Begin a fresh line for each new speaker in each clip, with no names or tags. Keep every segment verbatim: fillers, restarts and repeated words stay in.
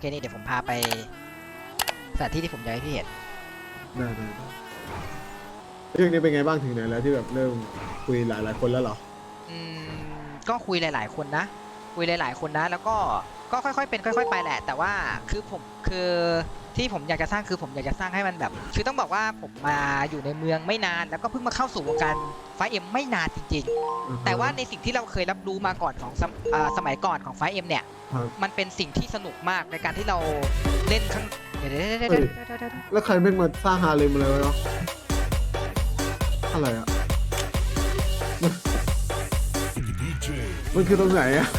นี่เดี๋ยวผมพาไปสถานที่ที่ผมอยากให้พี่เห็น
ได้ได้เรื่องนี้เป็นไงบ้างถึงไหนแล้วที่แบบเริ่มคุยหลายหลายคนแล้วเหรอ
อืมก็คุยหลายๆคนนะคุยหลายๆคนนะแล้วก็ก็ค่อยๆเป็นค่อยๆไปแหละแต่ว่าคือผมคือที่ผมอยากจะสร้างคือผมอยากจะสร้างให้มันแบบคือต้องบอกว่าผมมาอยู่ในเมืองไม่นานแล้วก็เพิ่งมาเข้าสู่วงการไฟเอ็มไม่นานจริงๆแต่ว่าในสิ่งที่เราเคยรับรู้มาก่อนของสมัยก่อนของไฟเอ็มเนี่ยมันเป็นสิ่งที่สนุกมากในการที่เราเล่นข้างเดี๋ยวๆ
แล้วใครแม่งมาสร้างฮาเลมมาเลยวะอะไรอ่ะมันคือตรงไหนอ่ะ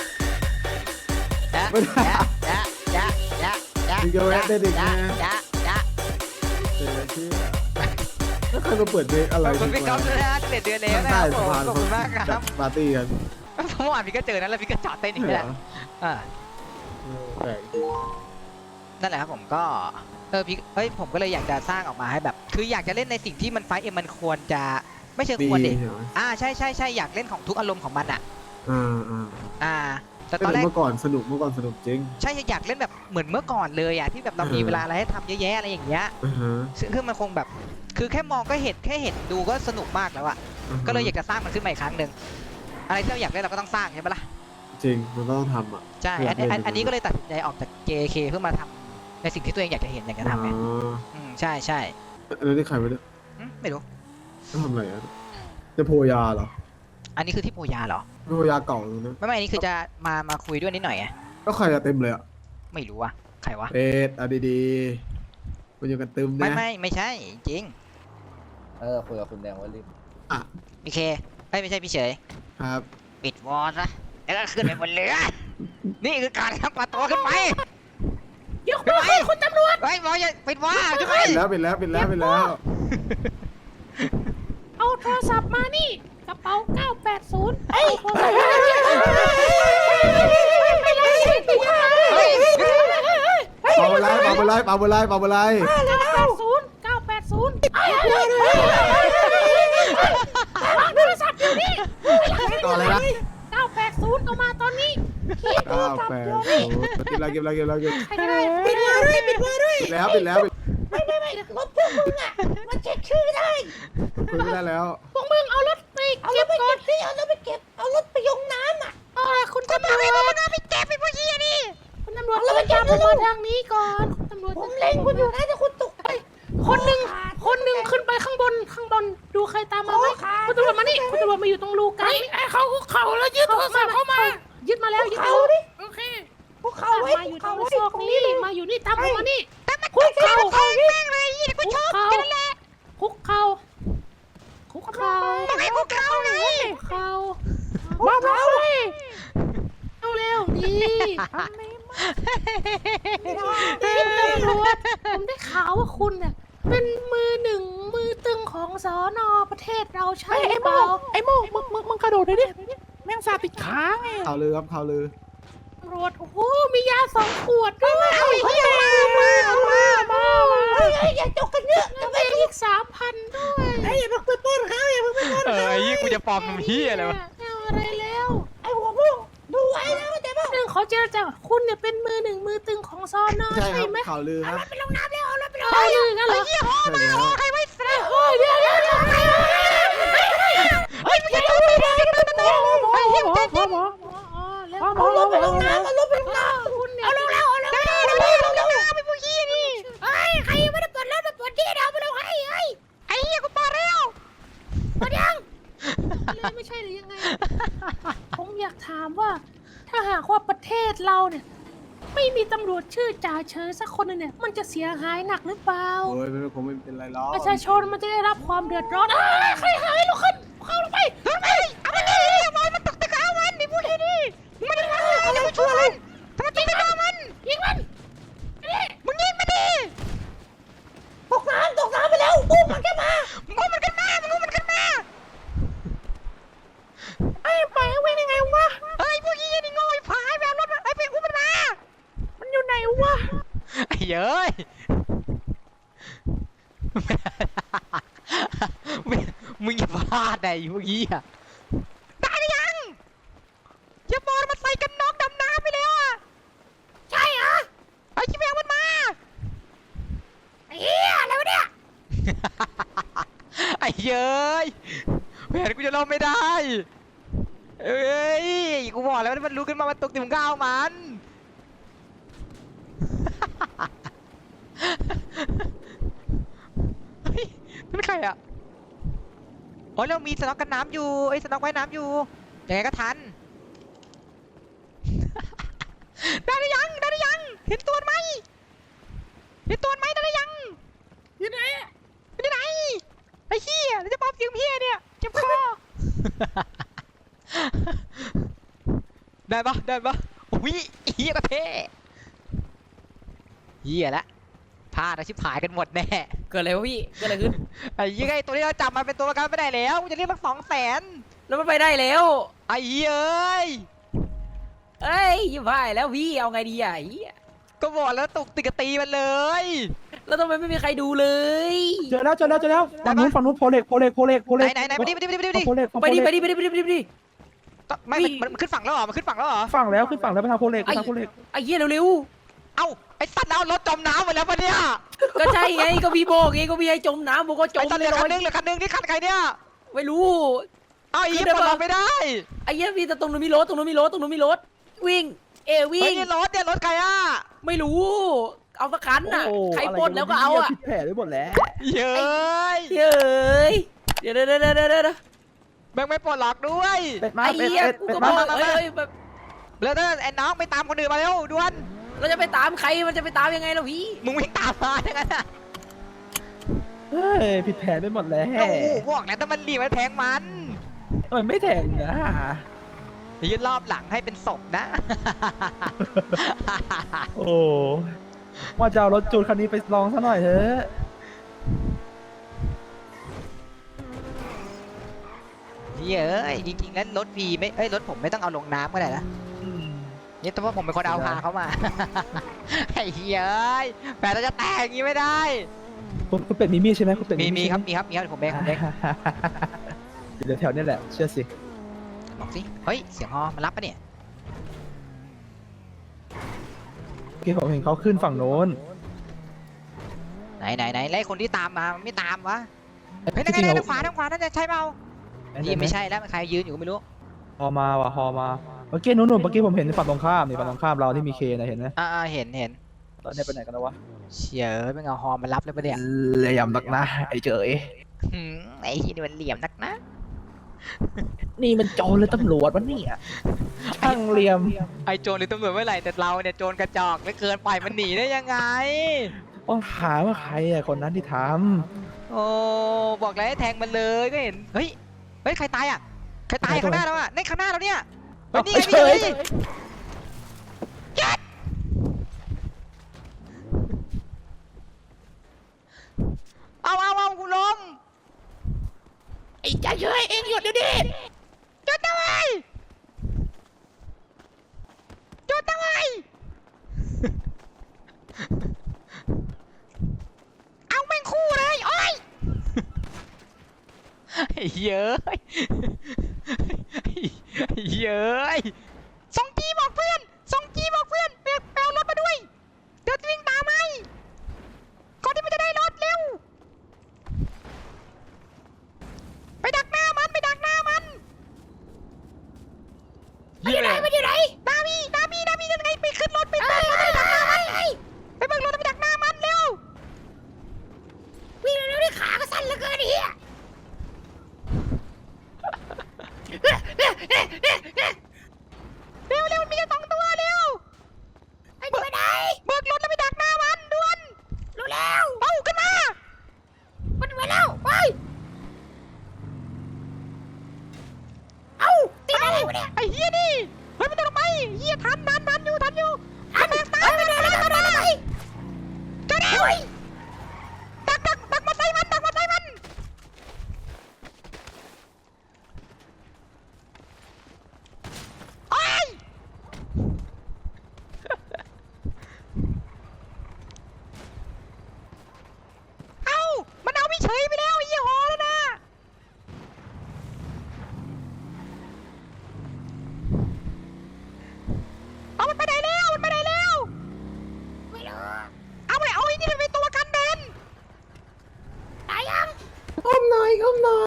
ไม่ได้
ยะยะยะยะ
มึงจะแวะได้ดิไง
ยะยะ
เดี๋ยวที่แล้วใครมาเปิดเพลงอะไร
ขอบคุณพี่ก๊อฟด้วยนะเดือนเดือนแล้วนะขอบคุณมากครับ
ปาร์ตี้กัน
เมื่อวานพี่ก็เจอนะแล้วพี่ก็จอดเต้นอีกแล้วอ่า
แปลกจริง
นั่นแหละครับผมก็เออพี่เฮ้ยผมก็เลยอยากจะสร้างออกมาให้แบบคืออยากจะเล่นในสิ่งที่มันไฟเอ็มมันควรจะไม่เชิงควรเด็กอ่าใช่ใช่ใช่อยากเล่นของทุกอารมณ์ของมันอ่ะ
อ่าอ่า
อ่าแต่ตอนแรก
เมื่อก่อนสนุกเมื่อก่อนสนุกจริง
ใช่อยากเล่นแบบเหมือนเมื่อก่อนเลยอ่ะที่แบบเรามีเวลาอะไรให้ทำเยอะแยะอะไรอย่างเงี้ยซึ่งมันคงแบบคือแค่มองก็เห็นแค่เห็นดูก็สนุกมากแล้วอ่ะก็เลยอยากจะสร้างมันขึ้นมาอีกครั้งหนึ่งอะไรที่เราอยากเล่นเราก็ต้องสร้างใช่ไหมล่ะ
จริงมันต้องทำอ่ะ
ใช่อันนี้ก็เลยตัดสินใจออกจาก เจ เค เพื่อมาทำในสิ่งที่ตัวเองอยากจะเห็นอยากจะทำไงอืมใช่ใช่
แล้วนี่ใครไปเนี่ย
ไม่รู้
จะทำอะไรอ่ะจะโพยาเหรอ
อันนี้คือที่โพยาเหรอ
โพยาเก่าเลยนะ
ไม่ไม่อันนี้คือจะมามาคุยด้วยนิดหน่อยไง
ก็ใครจะเต็มเลยอ่ะ
ไม่รู้ว่ะใครวะ
เป็ดอ่ะดีๆมันอยู่กันเต็ม
เนี่ยไม่ไม่ไม่ใช่จริง
เออคุยกับคุณแดงว่ารีบ
อ่ะ
พี่เคไม่ไม่ใช่พี่เฉย
ครับ
ปิดวอลซะแล้วก็ขึ้นไปบนเรือนี่คือการทำประตูขึ้นไป
ยกมือขึ้นคุณตำรวจ
ไอ้บอลอย่าปิดวอลขึ้นไป
ปิดแล้วปิดแล้วปิดแล้วปิดแล้ว
เอาโทรศัพท์มานี่กระเป๋าเก้าแปดศูนย์ไอ้โทรศัพท์ไปเลย
เป่าอะไรเป่าอะไรเป่าอะไรเป่าอะไร
เก้าแปดศูนย์เก้าแปดศูนย์วางโทรศัพท์อยู่นี่
ต่ออะไรนะ
เก้าแปดศูนย์เอามาตอนนี้
เก้าแปดศูนย์กินอะไรกินอะไรกินอะไรกิน
ปิดมือด้วยปิดมือด้วย
ปิดแล้วปิดแล้ว
ไม่ไม่ไม่รถพวกมึงอ่ะมันเช็คชื่อได้
คุยไม่ได้แล้ว
พวกมึงเอารถไปเก็บก่อนสิเอารถไปเก็บเอารถไปยงน้ำอ่ะเออคุณตำรวจมันเอาไปเก็บไปพวกยี่นี่คุณตำรวจเราไปจับมันมาทางนี้ก่อนตำรวจผมเล็งคุณอยู่นะแต่คุณตกไปคนหนึ่งคนหนึ่งขึ้นไปข้างบนข้างบนดูใครตามมาไหมคุณตำรวจมานี่คุณตำรวจมาอยู่ตรงรูกันไอ้เขาคุกเข่าแล้วยึดโทรศัพท์เข้ามายึดมาแล้วยึดมาแล้วโอเคคุกเข่ามาอยู่ตรงซอกนี้มาอยู่นี่ตามผมมานี่คุกเข่าแม่งเลยยี่กูชอบกันแหละคุกเข่าคุกเข่าต้องให้คุกเข่าเลยคุกเข่าบ้าเร็วเร็วเร็วดีทำไม่มาคุณตำรวจผมได้ข่าวว่าคุณเนี่ยเป็นมือหนึ่งมือตึงของสน.ประเทศเราใช่เปล่าไอ้โม่มึงมึงมึงกระโดดเลยดิแม่งซาติดขาไง
ข่าวลือครับข่าวลือ
ตำรวจโอ้โหมียาสองขวดด้วยเอาอีกมาเอามามาเฮ้ยอย่าจกกันเยอะจะไปอีกสามพันด้วยไอ้อย่าเพิ่งไปป้นเขาอย่าเพิ่งไปป้น
เออไอ้ยี่กูจะปลอมทำเหี้ยอะไรวะ
เอาอะไรแล้วไอ้หัวพุ่งดูไว้นะเข้าใจป่ะหนึ่งขอเจรจาคุณเนี่ยเป็นมือหนึ่งมือตึงของซอนอใช่ไหม
ข่าวลือครับ
ไปลงน้ำแล้วเอารถไปลงน้ำเลยงั้นเหรอ
ยี่ห้อมาใครไม่ใส่
โอ้ยเดี๋ยวเดี๋ยวเดี๋ยวเฮ้ยไม่ใช่ตัวไม่ได้ตัวโอ้ยหมอหมอหมอเอารถไปลงน้ำเอารถไปลงน้ำคุณเนี่ยเอาลงแล้วเอาลงแล้วเอาลงแล้วเอาลงแล้วไปพวกยี่นี่เฮ้ยใครยังไม่ได้เปิดรถมาเปิดที่เดี๋ยวไปลงให้เฮ้ยไอ้เหี้ยกูเปิดแล้วเปิดยังเลยไม่ใช่หรือยังไงผมอยากถามว่าถ้าหากว่าประเทศเราเนี่ยไม่มีตำรวจชื่อจ่าเฉยสักคนนึงเนี่ยมันจะเสียหายหนักหรือเปล่า
โอ้ยไม่คงไม่เป็นไรหรอก
ประชาชนมันจะได้รับความเดือดร้อนใครหายลุกขึ้นเข้าลงไปลงไปเอาไปเลยบอยมันตกตะกาวันนี่พูดให้ดีมันจะมาอะไรช่วยทำไมยิงมันมันยิงมันมึงยิงมันดิตกน้ำตกน้ำไปแล้วอุ้มมันขึ้นมาอุ้มมันขึ้นมามึงอุ้มมันขึ้นมาไอ้ไปเว้ยยังไงวะเฮ้ยพวกยี่นี่โง่ผายแบบรถไอ้ไปอุ้มมันมามันอยู่ไหนวะ
ไอ้เย้ยมึงอย่าพลาดไอ้พวกยี่อะ
ได้หรือยัง
อย่าบอลมาใส่กันน็อกดำน้ำไปแล้วอ่ะ
ใช่เหรอ
อ้เย้ยแผนกูจะล่มไม่ได้เอ้ยกูบอกแล้วมันรู้ขึ้นมามันตกติมงก้าวมันเฮ้ยนี่เป็นใครอ่ะอ๋อเรามีสน็อกกันน้ำอยู่ไอ้สน็อกไว้น้ำอยู่ยังไงก็ทัน ได้หรือยังได้หรือยังเห็นตัวไหมเห็นตัวไหมได้หรือยังอยู่ไหนอยู่ไหนไอ้เหี้ยแล้วจะป๊อปเสียงเหี้ยเนี่ยเจ็บคอ ได้ปะได้ปะอุ้ยเหี้ยก็เท่เหี้ยละพลาดนะชิบหายกันหมดแน่
เกิดอะไรวะพี่เกิดอะไรขึ้น
ไอ้ยี่ไงตัวที่เราจับมาเป็นตัวประกันไม่ได้แล้วกูจะเรียกมันสองแสน
แล้วมันไปได้แล้ว
ไอ้เหี้ยเอ้ย
เอ้ยยิ่งพ่ายแล้วพี่เอาไงดีอ่ะไอ้เหี้ย
ก็บอกแล้วตกติกตีมันเลย
แล้วทำไมไม่มีใครดูเลย
เจอแล้วเจอแล้วเจอแล้วฝั่งนู้นฝั่งนู้นโพเล็กโพเล็กโพเล็กโพ
ไหน
เล็ก
ไหนไหนไปดิไปดิไปดิไปดิไปดิ
โพเล็ก
ไปดิไปดิไปดิไปดิไปดิไปดิ
ไม่มันมันมันขึ้นฝั่งแล้วเหรอมันขึ้นฝั่งแล้วเหรอ
ฝั่งแล้วขึ้นฝั่งแล้วไปทางโพเล็กไปทางโพเล็ก
ไอ้เหี้ยเร็ว
เอ้าไอ้สัตว์แล้วรถจมน้ำหมดแล้วปะเนี่ย
ๆก็ใช่ไงก็พี่บอกไงก็พี่ให้จมน้ำผมก็จ
ไอ้
ม
สัตว์เหลือคันนึงเหลือคันนึงนี่คันใครเนี่ย
ไม่รู้
เอ้าไอ้เหี้ย
คือ
ปลด
ได้ปะ
ล็อกไม่ได้
ไอ้เหี้ยพี่แต่ตรงนู้นมีรถตรงนู้นมีรถตรงนู้นมีรถวิ่งเอ
เฮ้
วิ่
ย
ง
นี่รถเนี่ยรถใครอ่ะ
ไม่รู้ เอาสักคันน่ะ
โอ้
ใครปล้นแล้วก็เอาอ่ะ
ผิดแผนไปหมดแล้ว
เย้ย
เฮ้ยเดี๋ยวเดี๋ยวเดี๋ยวเดี๋ยวเดี๋ยว
แม่งไม่ปลดล็อกด้วย
เป็ดมา
ไอ้
เป็ด
เหี้ย
เป็ด
กู
เป็ด
ก็บ
มา
อกเอ้ยแบบ
แล้วถ้าไอ้น้องไปตามคนอื่นมาเร็วด่วน
เราจะไปตามใครมันจะไปตามยังไงล่ะพี่
มึงวิ่งตามมาอย่างนั้นอ่ะ
เฮ้ยผิดแผนไปหมดแล้ว
โอ้โหบอกแล้วถ้ามันรีบมันแทงมัน
ทำไมไม่แทงนะ
ยืนรอบหลังให้เป็นศพนะ
โอ้ว่าจะเอารถจูนคันนี้ไปลองซะหน่อยเถอะ
เย้ยจริงๆแล้วรถพีไม่เอ้ยรถผมไม่ต้องเอาลงน้ำก็ได้นะนี่แต่ว่าผมเป็นคนเอาพาเขามา ไอ้เฮ้ยแฟนเราจะแตกอย่างนี้ไม่ได้
คุณคุณเป็ดมีมีดใช่ไหมคุณเป็ด
มี
ด
มี
ใช่
ครับ
ไห
มีครับมีครับผมเองผมเอง
เดี๋ยวแถวนี้แหละเชื่อสิ
บอกสิเฮ้ยเสียงฮอมันรับปะเนี่ย
เมื่อกี้ผมเห็นเขาขึ้นฝั่งโน้น
ไหนไหนไหนแล้วไอ้คนที่ตามมามันไม่ตามวะเฮ้ยนั่น
จริง
ไง
ๆ
ทางขวาทางขวานั่นจะใช่เปล่านี่ไม่ใช่แล้วมันใครยืนอยู่ก็ไม่รู้
ฮอมาว่ะฮอมาเมื่อกี้นู้นๆเมื่อกี้ผมเห็นฝั่งตรงข้ามนี่ฝั่งตรงข้ามเราที่มีเคนะเห็นไหม
อ่าๆเห็นเห็น
ตอนนี้ไปไหนกันแล้ววะ
เฉียเอ้ยเป็นเอาฮอมารับเลยปะเนี่ย
เหลี่ยมนักนะไอ้เจ๋ย
หืมไอ้ที่นี่มันเหลี่ยมนักนะ
นี่มันโจรเลยตำรวจวะเนี่ยช่างเหลี่ยม
ไอ้โจรหรือตำรวจเมื่อไหร่แต่เราเนี่ยโจรกระจอกไม่เกินปล่อยมันหนีได้ยังไง
ต้องถามว่าใครอะคนนั้นที่ท
โอ้บอกแล้วให้แทงมันเลยก็เห็นเฮ้ยเฮ้ยใครตายอ่ะใครตายข้างหน้าเราอ่ะในข้างหน้าเราเนี่ย
ำ
เฮ้ยนี่ไง
เฉ
นี่
ย
ไงยัดเอาเอาเอากูล้ม
ไอ้ใจเฉยเองหยุดเดี๋ยวนี้
หยุดนะเว้ยหยุดนะเว้ยเอาแม่งคู่เลยโอ้ยไอ้เย้ยไอ้เย้ยส่งจีบอกเพื่อนส่งจีบอกเพื่อนไปไปเอารถมาด้วยเดี๋ยวจะวิ่งตามให้ก่อนที่มันจะได้รถเร็วไปดักหน้ามันไปดักหน้ามัน
มันอยู่ไหนมันอยู่ไหน
ดามีดามีดามียังไงไปขึ้นรถไปเบิกรถไปดักหน้ามันไปเบิกรถไปดักหน้ามันเร็ว
วิ่งเร็วๆนี่ขาก็สั้นเหลือเกินไอ้เหี้ย
เร็วเร็วมีแค่สองตัวเร็ว
ไอ้จะไปไหน
เบิกรถแล้วไปดักหน้ามันด่วน
รู้แล้ว
เอาขึ้นมา
มันไปแล้วไปเอ้าติดอะไรวะเนี่ย
ไอ้เฮียนี่เฮ้ยมันจะลงไปเฮียทันทันทันอยู่ทันอยู่
อันตายไปเลยไปเลยไปเลย
เจ้าเร็วดักดักดักมาใส่มันดักมาใส่มันโอ้ยเอ้ามันเอาพี่เฉยไปแล้วไอ้เหี้ยหอแล้วนะเอามัน
ก้มหน่อย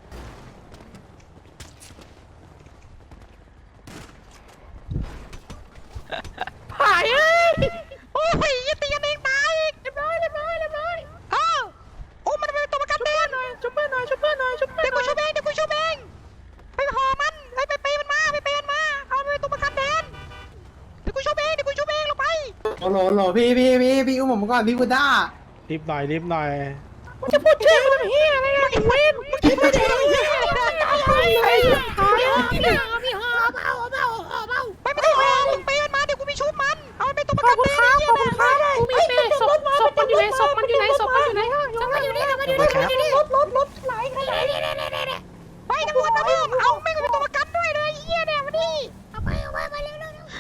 หายเอ้ยโอ้ยอย่าตีกันเองตายอีกเรียบร้อยเรียบร้อยเรียบร้อยอ้าวโอ้มันเป็นตัวประกันแดนชุบเพื่อนหน่อยชุบเพื่อนหน่อยชุบเพื่อนหน่อยเดี๋ยวกูชุบเองเดี๋ยวกูชุบเองไปห่อมันไปไปไปมันมาไปไปมันมาเอาไปเป็นตัวประกันแดนเดี๋ยวกูชุบเองเดี๋ยวกูชุบเองลงไป
โหลโหลพี่พี่พี่พี่อุ้มผมก่อนพี่กูด้า
รีบหน่อยรีบหน่อย
มึงจะพูดชื่อมันเฮียอะไรนะไอ้เวนมึงคิดว่าจะเฮียอะไรไอ้หายพี่หอเบาเบาเบาเบา
ไปไม่ได้ห่อมึงไปมันมาเดี๋ยวกูมีชุบมันเอามันเป็นตัวประกันแดนขอบคุณครับ
กูมีเปศพศพมันอยู่ไหนศพมันอยู่ไหนศพมันอยู่ไหนศพมันอยู่นี่ศพมันอยู่นี่ศพมันอยู่นี่รถรถรถไหลไหลไหลไหลไหล
ไปตำรวจมาเพิ่มเอาไม่งเป็นตัวประกันด้วยเลยเฮียเนี่ยมาดิ
เอาไปเอาไปมาเร็วเร็วเร็ว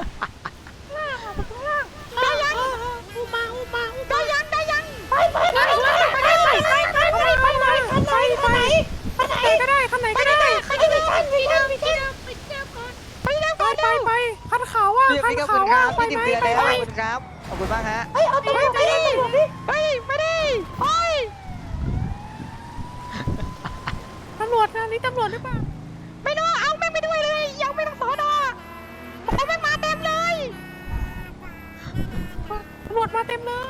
ได้ยัง
อุมาอุมาอุ
ได้ยังได้ยัง
ไปไปไปไปไปไปไปไปไปไปไปไปไปไหนไปไหนก็ได้คันไหนก็ได้ไปที่เดิมที่เดิมที่เดิมไปที่เดิมก่อน
ไปเร็ว
ไป
ก่อน
ไปไปคันขาวว่า
พี่
คัน
พี่ขอบ
ขา
คุ
ว
ณค
ว่า
รับ
ไป
พี่
ไห
ติ
ม
มเตือน
ไป
แล้ว
ไป
ขอบคุณครับขอบคุณมากฮะ
เฮ้ยเอาตัวไปดิ
ไปไปดิไป
ตำรวจนะนี่ตำรวจหรือเปล่า
ไม่รู้เอาแม่งไปด้วยเลยยังไม่ต้องสอนอเอาแม่งมาเต็มเลย
ตำรวจมาเต็มเลย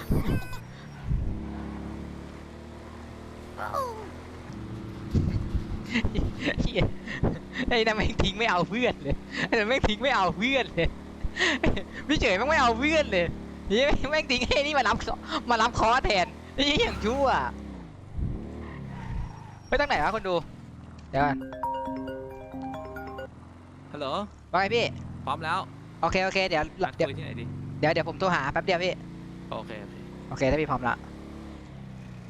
เหี้ยไอ้นั่นแม่งทิ้งไม่เอาเพื่อนเลยไอ้นั่นแม่งทิ้งไม่เอาเพื่อนเลยพี่เฉยแม่งไม่เอาเพื่อนเลยเฮ้ยแม่งทิ้งให้นี่มารับมารับคอแทนนี่อย่างชั่วไปตั้งไหนวะคนดูเดี๋ยวก่อน
ฮัลโหล
ว่าไงพี่
พร้อมแล้ว
โอเคโอเคเดี๋ยว
นัด
เดี๋ยว
คุยที่ไหนดี
เดี๋ยวเดี๋ยวผมโทรหาแป๊บเดียวพี่
โอเคโอเค
โอเคถ้าพี่พร้อมละ
โ